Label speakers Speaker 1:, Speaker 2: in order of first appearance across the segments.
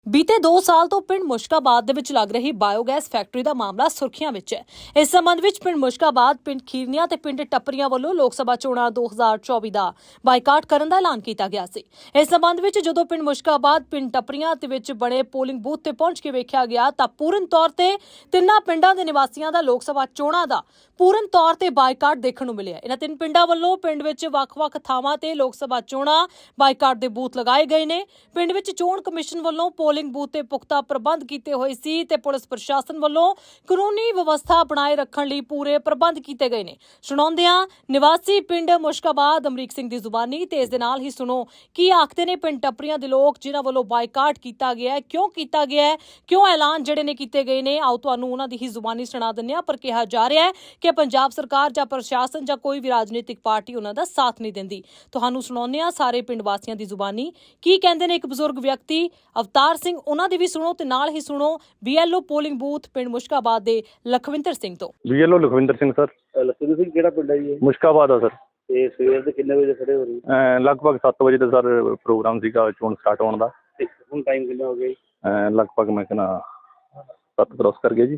Speaker 1: बीते 2 साल तो पिंड मुश्काबाद ਦੇ ਵਿੱਚ ਲੱਗ ਰਹੀ ਬਾਇਓਗੈਸ ਫੈਕਟਰੀ ਦਾ ਮਾਮਲਾ ਸੁਰਖੀਆਂ ਵਿੱਚ ਹੈ। ਇਸ ਸੰਬੰਧ ਵਿੱਚ ਪਿੰਡ ਮੁਸ਼ਕਾਬਾਦ, ਪਿੰਡ ਖੀਰਨੀਆਂ ਤੇ ਪਿੰਡ ਟੱਪਰੀਆਂ ਵੱਲੋਂ ਲੋਕ ਸਭਾ ਚੋਣਾਂ 2024 ਦਾ ਬਾਈਕਾਟ ਕਰਨ ਦਾ ਐਲਾਨ ਕੀਤਾ ਗਿਆ ਸੀ। ਇਸ ਸੰਬੰਧ ਵਿੱਚ ਜਦੋਂ ਪਿੰਡ ਮੁਸ਼ਕਾਬਾਦ, ਪਿੰਡ ਟੱਪਰੀਆਂ ਦੇ ਵਿੱਚ ਬਣੇ ਪੋਲਿੰਗ ਬੂਥ ਤੇ ਪਹੁੰਚ ਕੇ ਵੇਖਿਆ ਗਿਆ ਤਾਂ ਪੂਰਨ ਤੌਰ ਤੇ ਤਿੰਨਾਂ ਪਿੰਡਾਂ ਦੇ ਨਿਵਾਸੀਆਂ ਦਾ ਲੋਕ ਸਭਾ ਚੋਣਾਂ ਦਾ ਪੂਰਨ ਤੌਰ ਤੇ ਬਾਈਕਾਟ ਦੇਖਣ ਨੂੰ ਮਿਲਿਆ। ਇਹਨਾਂ ਤਿੰਨ ਪਿੰਡਾਂ ਵੱਲੋਂ ਪਿੰਡ ਵਿੱਚ ਵੱਖ-ਵੱਖ ਥਾਵਾਂ ਤੇ ਲੋਕ ਸਭਾ ਚੋਣਾਂ ਬਾਈਕਾਟ ਦੇ ਬੂਥ ਲਗਾਏ ਗਏ ਨੇ। ਪਿੰਡ ਵਿੱਚ ਚੋਣ ਕਮਿਸ਼ਨ ਵੱਲੋਂ ਪੋਲਿੰਗ ਬੂਥ ਤੇ ਪੁਖਤਾ ਪ੍ਰਬੰਧ ਕੀਤੇ ਹੋਏ ਸੀ ਤੇ ਪੁਲਿਸ ਪ੍ਰਸ਼ਾਸਨ ਵੱਲੋਂ ਕਾਨੂੰਨੀ ਵਿਵਸਥਾ ਬਣਾਏ ਰੱਖਣ ਲਈ ਪੂਰੇ ਪ੍ਰਬੰਧ ਕੀਤੇ ਗਏ ਨੇ। ਸੁਣਾਉਂਦਿਆਂ ਨਿਵਾਸੀ ਪਿੰਡ ਮੁਸ਼ਕਾਬਾਦ ਅਮਰੀਕ ਸਿੰਘ ਦੀ ਜ਼ੁਬਾਨੀ ਤੇ ਇਸ ਦੇ ਨਾਲ ਹੀ ਸੁਣੋ ਕੀ ਆਖਦੇ ਨੇ ਪਿੰਡ ਟੱਪਰੀਆਂ ਦੇ ਲੋਕ ਜਿਨ੍ਹਾਂ ਵੱਲੋਂ ਬਾਈਕਾਟ ਕੀਤਾ ਗਿਆ ਹੈ, ਕਿਉਂ ਕੀਤਾ ਗਿਆ ਹੈ, ਕਿਉਂ ਐਲਾਨ ਜਿਹੜੇ ਨੇ ਕੀਤੇ ਗਏ ਨੇ। ਆਓ ਤੁਹਾਨੂੰ ਉਹਨਾਂ ਦੀ ਹੀ ਜ਼ੁਬਾਨੀ ਸੁਣਾ ਦਿੰਦੇ ਹਾਂ। ਪਰ ਕਿਹਾ ਜਾ ਰਿਹਾ ਹੈ ਕਿ ਪੰਜਾਬ ਸਰਕਾਰ ਜਾਂ ਪ੍ਰਸ਼ਾਸਨ ਜਾਂ ਕੋਈ ਵੀ ਰਾਜਨੀਤਿਕ ਪਾਰਟੀ ਉਹਨਾਂ ਦਾ ਸਾਥ ਨਹੀਂ ਦਿੰਦੀ। ਤੁਹਾਨੂੰ ਸੁਣਾਉਂਦੇ ਹਾਂ ਸਾਰੇ ਪਿੰਡ ਵਾਸੀਆਂ ਦੀ ਜ਼ੁਬਾਨੀ ਕੀ ਕਹਿੰਦੇ ਨੇ। ਇੱਕ ਬਜ਼ੁਰਗ ਵਿਅਕਤੀ ਅਵਤਾਰ ਸਿੰਘ, ਉਹਨਾਂ ਦੀ ਵੀ ਸੁਣੋ ਤੇ ਨਾਲ ਹੀ ਸੁਣੋ BLO ਪੋਲਿੰਗ ਬੂਥ ਪਿੰਡ ਮੁਸ਼ਕਾਬਾਦ ਦੇ ਲਖਵਿੰਦਰ ਸਿੰਘ ਤੋਂ।
Speaker 2: BLO Lakhwinder Singh sir.
Speaker 3: ਲਖਵਿੰਦਰ ਸਿੰਘ ਕਿਹੜਾ ਪਿੰਡ ਹੈ ਜੀ?
Speaker 2: ਮੁਸ਼ਕਾਬਾਦ ਆ ਸਰ।
Speaker 3: ਤੇ ਸਵੇਰ ਦੇ ਕਿੰਨੇ ਵਜੇ ਖੜੇ ਹੋ ਰਹੇ?
Speaker 2: ਲਗਭਗ 7 ਵਜੇ ਦਾ ਸਰ ਪ੍ਰੋਗਰਾਮ ਸੀਗਾ ਚੋਣ ਸਟਾਰਟ ਹੋਣ ਦਾ।
Speaker 3: ਤੇ ਹੁਣ ਟਾਈਮ ਕਿੰਨਾ ਹੋ ਗਿਆ?
Speaker 2: ਲਗਭਗ ਮੈਂ ਕਹਿੰਦਾ 7 ਕ੍ਰੋਸ ਕਰ ਗਿਆ ਜੀ।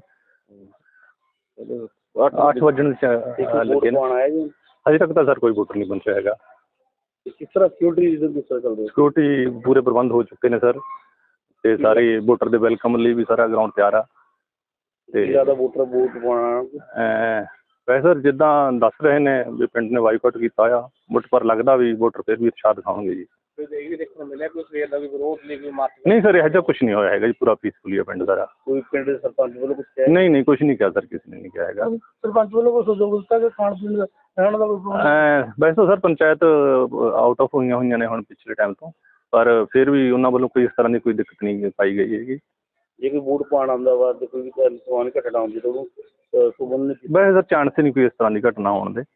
Speaker 2: 8 ਵਜਣ ਲੱਗੇ ਨੇ।
Speaker 3: ਆਇਆ ਜੀ
Speaker 2: ਅਜੇ ਤੱਕ ਤਾਂ ਸਰ ਕੋਈ ਵੋਟਰ ਨਹੀਂ ਪਹੁੰਚਿਆ ਹੈਗਾ।
Speaker 3: ਕਿਸ ਤਰ੍ਹਾਂ ਸਿਕਿਉਰਿਟੀ ਰੀਜ਼ਨ ਕਿਸ ਤਰ੍ਹਾਂ ਚੱਲਦੇ?
Speaker 2: ਸਿਕਿਉਰਿਟੀ ਪੂਰੇ ਪ੍ਰਬੰਧ ਹੋ ਚੁੱਕੇ ਨੇ ਸਰ ਤੇ ਸਾਰੇ ਵੋਟਰ ਦੇ ਵੈਲਕਮ ਲਈ ਵੀ ਸਾਰਾ ਗਰਾਊਂਡ ਤਿਆਰ ਆ। ਤੇ
Speaker 3: ਜ਼ਿਆਦਾ ਵੋਟਰ ਵੋਟ ਪਾਉਣਾ
Speaker 2: ਵੈਸੇ ਸਰ ਜਿੱਦਾਂ ਦੱਸ ਰਹੇ ਨੇ ਵੀ ਪਿੰਡ ਨੇ ਬਾਈਕਾਟ ਕੀਤਾ ਆ ਬਟ ਪਰ ਲੱਗਦਾ ਵੀ ਵੋਟਰ ਫਿਰ ਵੀ ਉਤਸ਼ਾਹ ਦਿਖਾਉਣਗੇ ਜੀ।
Speaker 3: ਇਹ ਵੀ ਦੇਖਣ ਨੂੰ ਮਿਲਿਆ ਕੋਈ ਸਵੇਰ ਦਾ ਵੀ ਵਿਰੋਧ ਨਹੀਂ, ਕੋਈ
Speaker 2: ਨਹੀਂ ਸਰ ਇਹੋ ਜਿਹਾ ਕੁਛ ਨਹੀਂ ਹੋਇਆ ਹੈਗਾ ਜੀ। ਪੂਰਾ ਪੀਸਫੁਲੀ ਆ ਪਿੰਡ ਸਾਰਾ।
Speaker 3: ਕੋਈ ਪਿੰਡ ਦੇ ਸਰਪੰਚ ਵੱਲੋਂ ਕੁਝ ਕਿਹਾ?
Speaker 2: ਨਹੀਂ ਕੁਛ ਨਹੀਂ ਕਿਹਾ ਸਰ, ਕਿਸੇ ਨੇ ਨਹੀਂ ਕਿਹਾ ਹੈਗਾ।
Speaker 3: ਸਰਪੰਚ ਵੱਲੋਂ ਕੋਈ ਸਹਿਯੋਗ ਦਿੱਤਾ ਕਿ ਖਾਣ ਪੀਣ ਦਾ ਰਹਿਣ ਦਾ ਕੋਈ?
Speaker 2: ਵੈਸੇ ਤਾਂ ਸਰ ਪੰਚਾਇਤ ਆਊਟ ਆਫ ਹੋਈਆਂ ਨੇ ਹੁਣ ਪਿਛਲੇ ਟਾਈਮ ਤੋਂ, ਪਰ ਫਿਰ ਵੀ ਉਹਨਾਂ ਵੱਲੋਂ ਕੋਈ ਇਸ ਤਰ੍ਹਾਂ ਦੀ ਕੋਈ ਦਿੱਕਤ ਨਹੀਂ ਪਾਈ ਗਈ ਹੈਗੀ।
Speaker 3: ਜੇ ਕੋਈ ਵੋਟ ਪਾਉਣ ਆਉਂਦਾ ਵਾ ਤੇ ਕੋਈ ਵੀ ਸਮਾਨ ਘਟਣਾ ਹੁੰਦੀ ਤਾਂ ਉਹਨੂੰ
Speaker 2: ਵੈਸੇ ਸਰ ਚਾਂਸ ਨਹੀਂ ਕੋਈ ਇਸ ਤਰ੍ਹਾਂ ਦੀ ਘਟਨਾ ਹੋਣ ਦੇ।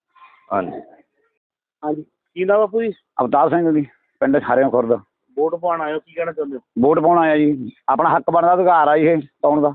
Speaker 2: ਹਾਂਜੀ
Speaker 3: ਕੀ ਨਾਮ ਬਾਪੂ ਜੀ?
Speaker 4: ਅਵਤਾਰ ਸਿੰਘ ਜੀ, ਪਿੰਡ ਹਰਿਓਂ ਖੁਰਦ।
Speaker 3: ਵੋਟ ਪਾਉਣ ਆਇਓ, ਕੀ ਕਹਿਣਾ ਚਾਹੁੰਦੇ ਹੋ?
Speaker 4: ਵੋਟ ਪਾਉਣ ਆਇਆ ਜੀ, ਆਪਣਾ ਹੱਕ ਬਣਦਾ ਅਧਿਕਾਰ ਆ ਜੀ ਇਹ ਪਾਉਣ ਦਾ।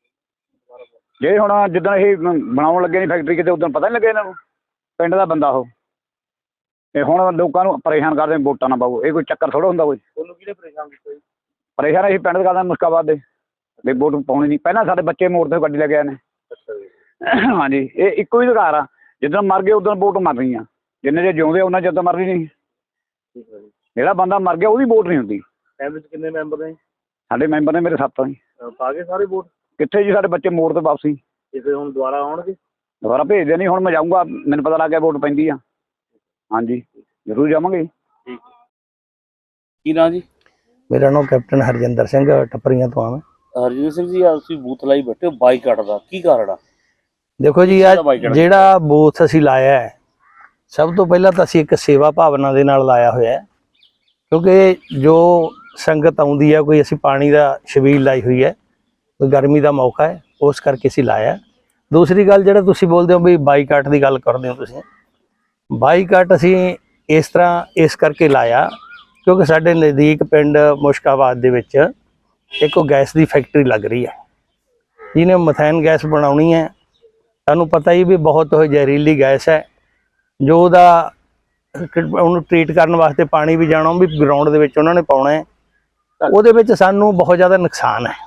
Speaker 4: ਜੇ ਹੁਣ ਜਿੱਦਾਂ ਇਹ ਬਣਾਉਣ ਲੱਗੇ ਨੇ ਫੈਕਟਰੀ ਕਿਤੇ ਉਦੋਂ ਪਤਾ ਨਹੀਂ ਲੱਗਿਆ ਇਹਨਾਂ ਨੂੰ, ਪਿੰਡ ਦਾ ਬੰਦਾ ਉਹ। ਇਹ ਹੁਣ ਲੋਕਾਂ ਨੂੰ ਪਰੇਸ਼ਾਨ ਕਰਦੇ ਵੋਟਾਂ ਨਾ ਪਾਓ, ਇਹ ਕੋਈ ਚੱਕਰ ਥੋੜ੍ਹਾ ਹੁੰਦਾ ਕੋਈ।
Speaker 3: ਤੁਹਾਨੂੰ ਕਿਹਨੇ ਪਰੇਸ਼ਾਨ ਕੀਤਾ ਜੀ?
Speaker 4: ਪਰੇਸ਼ਾਨ ਅਸੀਂ ਪਿੰਡ ਦੇ ਕਰਦੇ ਮੁਸ਼ਕਾਬਾਦ ਦੇ ਵੀ ਵੋਟ ਪਾਉਣੀ ਨਹੀਂ। ਪਹਿਲਾਂ ਸਾਡੇ ਬੱਚੇ ਮੋੜ ਤੇ ਗੱਡੀ ਲੈ ਕੇ ਆਏ ਨੇ।
Speaker 3: ਅੱਛਾ ਜੀ।
Speaker 4: ਹਾਂਜੀ, ਇਹ ਇੱਕੋ ਹੀ ਅਧਿਕਾਰ ਆ। ਜਿੱਦਾਂ ਮਰ ਗਏ ਉਦੋਂ ਵੋਟ ਮਰਨੀ ਆ, ਜਿੰਨੇ ਜੇ ਜਿਉਂਦੇ ਉਹਨਾਂ ਚਿਰ ਤਾਂ ਮਰਨੀ ਨਹੀਂ।
Speaker 3: ਠੀਕ ਹੈ ਜੀ।
Speaker 4: ਜਿਹੜਾ ਬੰਦਾ ਮਰ ਗਿਆ ਉਹਦੀ ਵੋਟ ਨਹੀਂ ਹੁੰਦੀ।
Speaker 3: ਫੈਮਿਲੀ 'ਚ ਕਿੰਨੇ ਮੈਂਬਰ ਨੇ?
Speaker 4: ਸਾਡੇ ਮੈਂਬਰ ਨੇ ਮੇਰੇ 7 ਜੀ।
Speaker 3: ਪਾ ਗਏ ਸਾਰੇ ਵੋਟ?
Speaker 4: ਕਿੱਥੇ ਜੀ, ਸਾਡੇ ਬੱਚੇ ਮੋੜ ਤੇ ਵਾਪਸੀ।
Speaker 3: ਤੇ ਫਿਰ ਹੁਣ ਦੁਬਾਰਾ ਆਉਣਗੇ?
Speaker 4: ਦੁਬਾਰਾ ਭੇਜਦੇ ਨਹੀਂ। ਹੁਣ ਮੈਂ ਜਾਊਂਗਾ, ਮੈਨੂੰ ਪਤਾ ਲੱਗ ਗਿਆ ਵੋਟ ਪੈਂਦੀ ਆ। ਹਾਂਜੀ ਜ਼ਰੂਰ ਜਾਵਾਂਗੇ।
Speaker 3: ਠੀਕ। ਕੀ ਨਾਂ ਜੀ?
Speaker 5: ਮੇਰਾ ਨਾਮ ਕੈਪਟਨ ਹਰਜਿੰਦਰ ਸਿੰਘ, ਟੱਪਰੀਆਂ ਤੋਂ ਆ ਮੈਂ।
Speaker 3: ਹਰਜਿੰਦਰ ਸਿੰਘ ਜੀ, ਤੁਸੀਂ ਬੂਥ ਲਾਈ ਬੈਠੇ ਹੋ, ਬਾਈਕਾਟ ਦਾ ਕੀ ਕਾਰਨ ਆ?
Speaker 5: ਦੇਖੋ ਜੀ, ਜਿਹੜਾ ਬੂਥ ਅਸੀਂ ਲਾਇਆ ਹੈ, ਸਭ ਤੋਂ ਪਹਿਲਾਂ ਤਾਂ ਅਸੀਂ ਇੱਕ ਸੇਵਾ ਭਾਵਨਾ ਦੇ ਨਾਲ ਲਾਇਆ ਹੋਇਆ ਹੈ, ਕਿਉਂਕਿ ਜੋ ਸੰਗਤ ਆਉਂਦੀ ਹੈ, ਕੋਈ ਅਸੀਂ ਪਾਣੀ ਦਾ ਛਬੀਲ ਲਾਈ ਹੋਈ ਹੈ, ਕੋਈ ਗਰਮੀ ਦਾ ਮੌਕਾ ਹੈ, ਉਸ ਕਰਕੇ ਅਸੀਂ ਲਾਇਆ। ਦੂਸਰੀ ਗੱਲ, ਜਿਹੜਾ ਤੁਸੀਂ ਬੋਲਦੇ ਹੋ ਵੀ ਬਾਈਕਾਟ ਦੀ ਗੱਲ ਕਰਦੇ ਹੋ ਤੁਸੀਂ, ਬਾਈਕਾਟ ਅਸੀਂ ਇਸ ਤਰ੍ਹਾਂ ਇਸ ਕਰਕੇ ਲਾਇਆ ਕਿਉਂਕਿ ਸਾਡੇ ਨਜ਼ਦੀਕ ਪਿੰਡ ਮੁਸ਼ਕਾਬਾਦ ਦੇ ਵਿੱਚ ਇੱਕ ਗੈਸ ਦੀ ਫੈਕਟਰੀ ਲੱਗ ਰਹੀ ਹੈ, ਜਿਹਨੇ ਮਥੈਨ ਗੈਸ ਬਣਾਉਣੀ ਹੈ। ਤੁਹਾਨੂੰ ਪਤਾ ਹੀ ਵੀ ਬਹੁਤ ਉਹ ਜ਼ਹਿਰੀਲੀ ਗੈਸ ਹੈ, ਜੋ ਉਹਨੂੰ ਟ੍ਰੀਟ ਕਰਨ ਵਾਸਤੇ ਪਾਣੀ ਵੀ ਜਾਣਾ, ਉਹ ਵੀ ਗਰਾਊਂਡ ਦੇ ਵਿੱਚ ਉਹਨਾਂ ਨੇ ਪਾਉਣਾ ਹੈ। ਉਹਦੇ ਵਿੱਚ ਸਾਨੂੰ ਬਹੁਤ ਜ਼ਿਆਦਾ ਨੁਕਸਾਨ ਹੈ।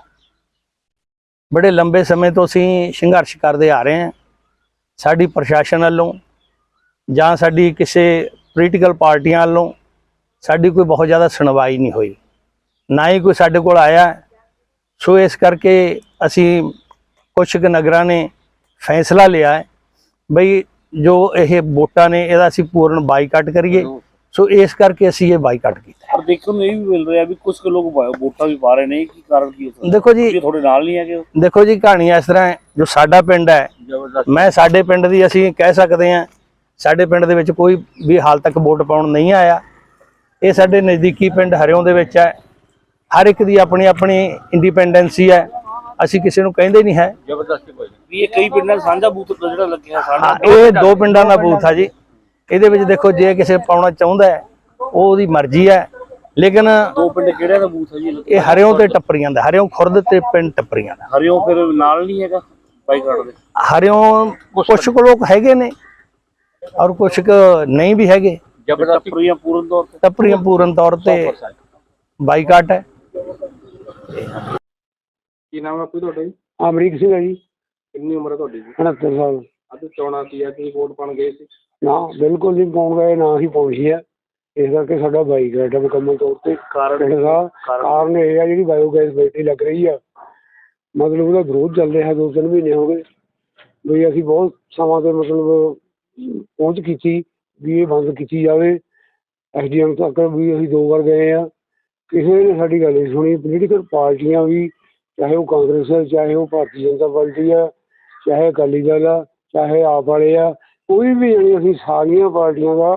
Speaker 5: ਬੜੇ ਲੰਬੇ ਸਮੇਂ ਤੋਂ ਅਸੀਂ ਸੰਘਰਸ਼ ਕਰਦੇ ਆ ਰਹੇ ਹਾਂ। ਸਾਡੀ ਪ੍ਰਸ਼ਾਸਨ ਵੱਲੋਂ ਜਾਂ ਸਾਡੀ ਕਿਸੇ ਪੋਲੀਟੀਕਲ ਪਾਰਟੀਆਂ ਵੱਲੋਂ ਸਾਡੀ ਕੋਈ ਬਹੁਤ ਜ਼ਿਆਦਾ ਸੁਣਵਾਈ ਨਹੀਂ ਹੋਈ, ਨਾ ਹੀ ਕੋਈ ਸਾਡੇ ਕੋਲ ਆਇਆ। ਸੋ ਇਸ ਕਰਕੇ ਅਸੀਂ ਕੁਛ ਕੁ ਨਗਰਾਂ ਨੇ ਫੈਸਲਾ ਲਿਆ ਹੈ ਬਈ ਜੋ ਇਹ ਵੋਟਾਂ ਨੇ ਇਹਦਾ ਅਸੀਂ ਪੂਰਨ ਬਾਈਕਾਟ ਕਰੀਏ। ਸੋ ਇਸ ਕਰਕੇ ਅਸੀਂ ਇਹ ਬਾਈਕਾਟ ਕੀਤਾ।
Speaker 3: ਪਰ ਦੇਖਣ ਨੂੰ ਇਹ ਵੀ ਮਿਲ ਰਿਹਾ ਵੀ ਕੁਝ ਕੁ ਲੋਕ ਵੋਟਾਂ ਵੀ ਪਾ ਰਹੇ ਨੇ, ਕੀ ਕਾਰਨ ਕੀ ਹੈ?
Speaker 5: ਦੇਖੋ ਜੀ,
Speaker 3: ਤੁਹਾਡੇ ਨਾਲ ਨਹੀਂ ਹੈਗੇ?
Speaker 5: ਦੇਖੋ ਜੀ, ਕਹਾਣੀ ਇਸ ਤਰ੍ਹਾਂ ਹੈ, ਜੋ ਸਾਡਾ ਪਿੰਡ ਹੈ, ਮੈਂ ਸਾਡੇ ਪਿੰਡ ਦੀ ਅਸੀਂ ਕਹਿ ਸਕਦੇ ਹਾਂ, ਸਾਡੇ ਪਿੰਡ ਦੇ ਵਿੱਚ ਕੋਈ ਵੀ ਹਾਲ ਤੱਕ ਵੋਟ ਪਾਉਣ ਨਹੀਂ ਆਇਆ। ਇਹ ਸਾਡੇ ਨਜ਼ਦੀਕੀ ਪਿੰਡ ਹਰਿਓਂ ਦੇ ਵਿੱਚ ਹੈ। ਹਰ ਇੱਕ ਦੀ ਆਪਣੀ ਆਪਣੀ ਇੰਡੀਪੈਂਡੈਂਸੀ ਹੈ, ਅਸੀਂ ਕਿਸੇ ਨੂੰ ਕਹਿੰਦੇ ਨਹੀਂ ਹੈ।
Speaker 3: ਜ਼ਬਰਦਸਤੀ ਕੋਈ ਨਹੀਂ। ਇਹ ਕਈ ਪਿੰਡਾਂ ਸਾਂਝਾ ਬੂਥ ਜਿਹੜਾ ਲੱਗਿਆ
Speaker 5: ਸਾਡਾ, ਇਹ 2 ਪਿੰਡਾਂ ਦਾ ਬੂਥ ਆ ਜੀ। ਇਹਦੇ ਵਿੱਚ ਦੇਖੋ, ਜੇ ਕਿਸੇ ਪਾਉਣਾ ਚਾਹੁੰਦਾ ਹੈ ਉਹਦੀ ਮਰਜ਼ੀ ਹੈ, ਲੇਕਿਨ
Speaker 3: 2 ਪਿੰਡ ਕਿਹੜਿਆਂ ਦਾ ਬੂਥ ਹੈ ਜੀ?
Speaker 5: ਇਹ ਹਰਿਓਂ ਤੇ ਟੱਪਰੀਆਂ ਦਾ, ਹਰਿਓਂ ਖੁਰਦ ਤੇ ਪਿੰਡ ਟੱਪਰੀਆਂ ਦਾ।
Speaker 3: ਹਰਿਓਂ ਫਿਰ ਨਾਲ ਨਹੀਂ ਹੈਗਾ ਬਾਈਕਾਟ ਦੇ?
Speaker 5: ਹਰਿਓਂ ਕੁਛ ਕੁ ਲੋਕ ਹੈਗੇ ਨੇ ਔਰ ਕੁਛ ਕੁ ਨਹੀਂ ਵੀ ਹੈਗੇ।
Speaker 3: ਟੱਪਰੀਆਂ ਪੂਰਨ ਤੌਰ ਤੇ?
Speaker 5: ਟੱਪਰੀਆਂ ਪੂਰਨ ਤੌਰ ਤੇ ਬਾਈਕਾਟ ਹੈ।
Speaker 6: ਕੀ ਨਾਮ ਹੈ ਆਪੂ ਤੁਹਾਡਾ ਜੀ?
Speaker 7: ਅਮਰੀਕ ਸਿੰਘ ਹੈ ਜੀ,
Speaker 6: ਕਿੰਨੀ ਉਮਰ ਹੈ ਤੁਹਾਡੀ ਜੀ?
Speaker 7: 69 ਸਾਲ।
Speaker 6: ਅੱਜ ਚੋਣਾਂ ਸੀ, ਅੱਜ ਵੋਟ ਪਾਉਣ ਗਏ ਸੀ?
Speaker 7: ਨਾ ਬਿਲਕੁਲ ਨਹੀਂ ਪਾਉਣ ਗਏ, ਨਾ ਹੀ ਪਹੁੰਚੀ ਹੈ। ਇਸ ਕਰਕੇ ਸਾਡਾ ਬਾਈਕਾਟ ਹੈ ਮੁਕੰਮਲ ਤੌਰ ਤੇ। ਕਾਰਨ ਇਹ ਆ ਜਿਹੜੀ ਬਾਇਓਗੈਸ ਫੈਕਟਰੀ ਲੱਗ ਰਹੀ ਆ, ਮਤਲਬ ਉਹਦਾ ਵਿਰੋਧ ਚੱਲ ਰਿਹਾ 2-3 ਮਹੀਨੇ ਹੋ ਗਏ ਵੀ ਅਸੀਂ ਬਹੁਤ ਸਮਾਂ ਤੇ ਮਤਲਬ ਪਹੁੰਚ ਕੀਤੀ ਵੀ ਇਹ ਬੰਦ ਕੀਤੀ ਜਾਵੇ। SDM ਤੱਕ ਵੀ ਅਸੀਂ 2 ਵਾਰ ਗਏ ਆ, ਕਿਸੇ ਨੇ ਸਾਡੀ ਗੱਲ ਨਹੀਂ ਸੁਣੀ। ਪੋਲੀਟੀਕਲ ਪਾਰਟੀਆਂ ਵੀ, ਚਾਹੇ ਉਹ ਕਾਂਗਰਸ ਹੈ, ਚਾਹੇ ਉਹ ਭਾਰਤੀ ਜਨਤਾ ਪਾਰਟੀ ਆ, ਚਾਹੇ ਅਕਾਲੀ ਦਲ ਆ, ਚਾਹੇ ਆਪ ਵਾਲੇ ਆ, ਕੋਈ ਵੀ ਜਾਣੀ ਅਸੀਂ ਸਾਰੀਆਂ ਪਾਰਟੀਆਂ ਦਾ